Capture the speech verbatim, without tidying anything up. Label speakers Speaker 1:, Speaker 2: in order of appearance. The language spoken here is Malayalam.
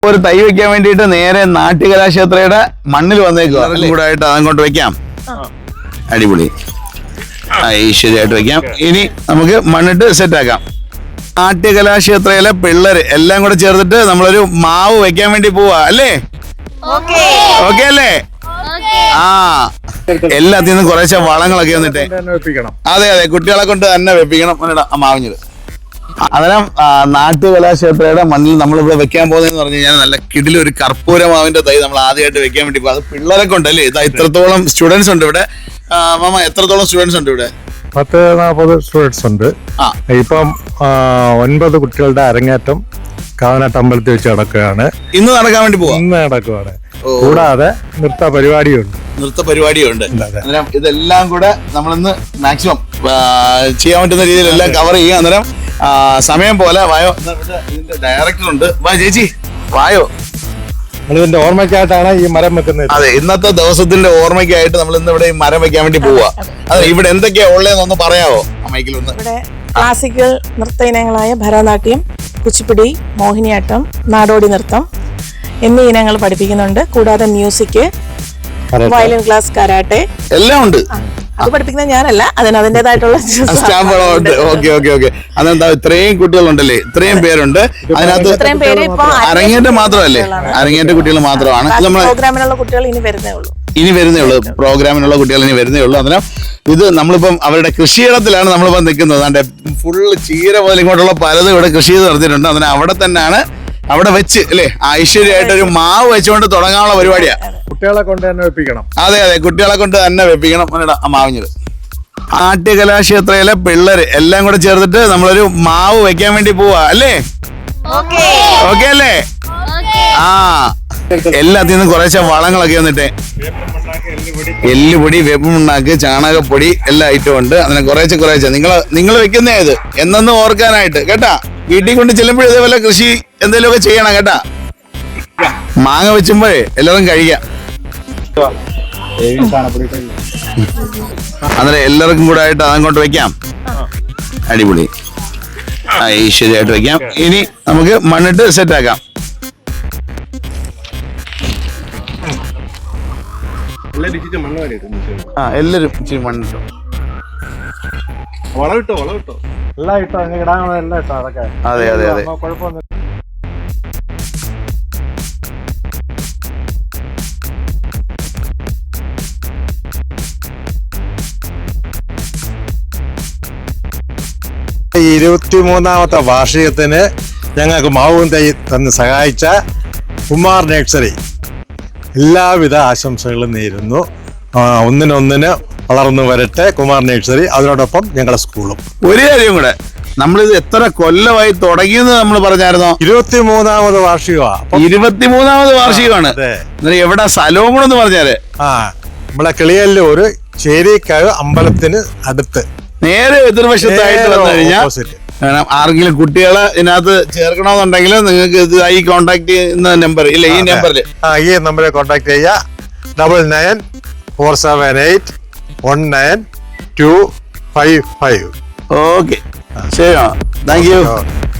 Speaker 1: ഒരു തൈ വെക്കാൻ വേണ്ടിയിട്ട് നേരെ നാട്യകലാക്ഷേത്രയുടെ മണ്ണിൽ വന്നേക്കുക കൂടായിട്ട് അതങ്ങോട്ട് വെക്കാം. അടിപൊളി ഐശ്വര്യമായിട്ട് വെക്കാം. ഇനി നമുക്ക് മണ്ണിട്ട് സെറ്റ് ആക്കാം. നാട്യകലാക്ഷേത്രയിലെ പിള്ളേര് എല്ലാം കൂടെ ചേർത്തിട്ട് നമ്മളൊരു മാവ് വെക്കാൻ വേണ്ടി പോവാ അല്ലേ? ഓക്കെ അല്ലേ? ആ എല്ലാത്തിൽ നിന്നും കുറേശ്ശെ വളങ്ങളൊക്കെ വന്നിട്ട് അതെ അതെ കുട്ടികളെ കൊണ്ട് തന്നെ വെപ്പിക്കണം. മാവിഞ്ഞത് അന്നേരം നാട്യകലാക്ഷേത്രയുടെ മണ്ണിൽ നമ്മളിവിടെ വെക്കാൻ പോകുന്നതെന്ന് പറഞ്ഞു കഴിഞ്ഞാൽ നല്ല കിടിലൊരു ഒരു കർപ്പൂര മാവിന്റെ തൈ നമ്മൾ ആദ്യമായിട്ട് വെക്കാൻ വേണ്ടി പോകും. അത് പിള്ളേരെ കൊണ്ടല്ലേ? ഇതാ ഇത്രത്തോളം സ്റ്റുഡൻസ് ഉണ്ട് ഇവിടെ. മാമ എത്രത്തോളം സ്റ്റുഡൻസ് ഉണ്ട് ഇവിടെ?
Speaker 2: പത്ത് നാൽപ്പത് സ്റ്റുഡൻസ് ഉണ്ട്. ഇപ്പം ഒൻപത് കുട്ടികളുടെ അരങ്ങേറ്റം കാവനാട്ട് അമ്പലത്തിൽ വെച്ച് നടക്കുകയാണ്.
Speaker 1: ഇന്ന് നടക്കാൻ വേണ്ടി പോവാ?
Speaker 2: ഇന്ന് നടക്കുകയാണ്. കൂടാതെ നൃത്ത പരിപാടിയുണ്ട്.
Speaker 1: നൃത്ത പരിപാടിയുണ്ട്. അന്നേരം ഇതെല്ലാം കൂടെ നമ്മളിന്ന് മാക്സിമം ചെയ്യാൻ പറ്റുന്ന രീതിയിൽ എല്ലാം കവർ ചെയ്യുക. അന്നേരം സമയം പോലെ വായോ, ഇതിന്റെ ഡയറക്ടർ ഉണ്ട്. വാ ചേച്ചി വായോ.
Speaker 2: ഇതിന്റെ ഓർമ്മയ്ക്കായിട്ടാണ് ഈ മരം വെക്കുന്നത്.
Speaker 1: അതെ, ഇന്നത്തെ ദിവസത്തിന്റെ ഓർമ്മയ്ക്കായിട്ട് നമ്മൾ ഇന്ന് ഇവിടെ ഈ മരം വെക്കാൻ വേണ്ടി പോവാ. അതെ, ഇവിടെ എന്തൊക്കെയാ ഉള്ളതെന്നൊന്ന് പറയാവോ മൈക്കിലൊന്ന്?
Speaker 3: ഇവിടെ ക്ലാസിക്കൽ നൃത്ത ഇനങ്ങളായ ഭരതനാട്യം, കുച്ചിപ്പുടി, മോഹിനിയാട്ടം, നാടോടി നൃത്തം എന്നീ ഇനങ്ങൾ പഠിപ്പിക്കുന്നുണ്ട്. കൂടാതെ മ്യൂസിക്, വയലിൻ ക്ലാസ്, കരാട്ടെ എല്ലാം ഉണ്ട്. അത് പഠിപ്പിക്കുന്നത് ഞാനല്ല, അതിന് അതിൻ്റെതായിട്ടുള്ള
Speaker 1: സ്റ്റാഫുകളുണ്ട്. ഓക്കെ ഓക്കെ ഓക്കെ അതെന്താ ഇത്രയും കുട്ടികളുണ്ടല്ലേ? ഇത്രയും പേരുണ്ട്. അതിനകത്ത്
Speaker 3: ഇത്രയും പേര് ഇപ്പൊ
Speaker 1: അരങ്ങേറ്റം മാത്രമല്ലേ? അരങ്ങേറ്റ കുട്ടികൾ മാത്രമാണ്.
Speaker 3: പ്രോഗ്രാമിനുള്ള കുട്ടികൾ ഇനി വരുന്നേ ഉള്ളൂ.
Speaker 1: ഇനി വരുന്നേ ഉള്ളൂ പ്രോഗ്രാമിനുള്ള കുട്ടികൾ ഇനി വരുന്നേ ഉള്ളൂ. അതിന് ഇത് നമ്മളിപ്പം അവരുടെ കൃഷിയിടത്തിലാണ് നമ്മളിപ്പം നിൽക്കുന്നത്. അതിന്റെ ഫുള്ള് ചീര മുതൽ ഇങ്ങോട്ടുള്ള പലതും ഇവിടെ കൃഷി ചെയ്ത് നടത്തിയിട്ടുണ്ട്. അതിന് അവിടെ തന്നെയാണ് അവിടെ വെച്ച് അല്ലേ ഐശ്വര്യമായിട്ട് ഒരു മാവ് വെച്ചുകൊണ്ട് തുടങ്ങാനുള്ള പരിപാടിയാ.
Speaker 2: കുട്ടികളെ കൊണ്ട് തന്നെ വെപ്പിക്കണം.
Speaker 1: അതെ അതെ കുട്ടികളെ കൊണ്ട് തന്നെ വെപ്പിക്കണം. മാവിഞ്ഞത് നാട്യകലാക്ഷേത്രയിലെ പിള്ളേര് എല്ലാം കൂടെ ചേർത്തിട്ട് നമ്മളൊരു മാവ് വെക്കാൻ വേണ്ടി പോവാ അല്ലേ? ഓക്കെ അല്ലേ? ആ എല്ലാത്തിൽ നിന്നും കുറേശ്ശെ വളങ്ങളൊക്കെ വന്നിട്ട് എല്ലുപൊടി, വേപ്പുമുണ്ണാക്ക്, ചാണകപ്പൊടി എല്ലാ ഐറ്റവും ഉണ്ട്. അങ്ങനെ കുറേശ്ശെ കുറേശ്ശെ നിങ്ങൾ നിങ്ങൾ വെക്കുന്നേ ഇത് എന്നൊന്ന് ഓർക്കാനായിട്ട് കേട്ടാ. വീട്ടിൽ കൊണ്ട് ചെല്ലുമ്പോഴും ഇതേപോലെ കൃഷി എന്തെങ്കിലുമൊക്കെ ചെയ്യണം കേട്ടാ. മാങ്ങ വെച്ചുമ്പോഴേ എല്ലാവരും കഴിക്കാം. അന്നേരം എല്ലാവർക്കും കൂടെ ആയിട്ട് അതങ്ങോട്ട് വെക്കാം. അടിപൊളി ഐശ്വര്യമായിട്ട് വെക്കാം. ഇനി നമുക്ക് മണ്ണിട്ട് സെറ്റ് ആക്കാം. ആ എല്ലാരും ഇച്ചിരി മണ്ണിട്ടോ.
Speaker 2: വളം ഇട്ടോ വളം ഇട്ടോ എല്ലാം ഇട്ടോ ഇടാനുള്ള എല്ലാം ഇട്ടോ. അതൊക്കെ
Speaker 1: അതെ അതെ അതെ
Speaker 2: കുഴപ്പമൊന്നും. ഇരുപത്തിമൂന്നാമത്തെ വാർഷികത്തിന് ഞങ്ങൾക്ക് മാവും തൈ തന്ന് സഹായിച്ച കുമാർ നഴ്സറി എല്ലാവിധ ആശംസകളും നേരുന്നു. ഒന്നിനൊന്നിന് വളർന്നു വരട്ടെ കുമാർ നഴ്സറി, അതിനോടൊപ്പം ഞങ്ങളുടെ സ്കൂളും.
Speaker 1: ഒരു കാര്യം കൂടെ, നമ്മളിത് എത്ര കൊല്ലമായി തുടങ്ങിയെന്ന് നമ്മൾ പറഞ്ഞായിരുന്നോ?
Speaker 2: ഇരുപത്തിമൂന്നാമത് വാർഷികമാണ്.
Speaker 1: ഇരുപത്തിമൂന്നാമത് വാർഷികമാണ്. എവിടെ സ്ഥലവും കൂടെ ഒന്ന് പറഞ്ഞാല്?
Speaker 2: ആ നമ്മളെ കിളിയല്ലൂര് ചേരിക്കാവ് അമ്പലത്തിന് അടുത്ത് നേരെ
Speaker 1: എതിർവശത്തായിട്ട് വന്നു കഴിഞ്ഞാൽ ആർക്കെങ്കിലും കുട്ടികളെ ഇതിനകത്ത് ചേർക്കണമെന്നുണ്ടെങ്കിൽ നിങ്ങൾക്ക് ഇത് ഈ കോൺടാക്ട് ചെയ്യുന്ന നമ്പർ ഇല്ല, ഈ നമ്പറിൽ
Speaker 2: ഈ നമ്പറിൽ കോൺടാക്ട് ചെയ്യുക. Double nine four seven eight one nine two five five.
Speaker 1: Okay ശരി, താങ്ക് യു.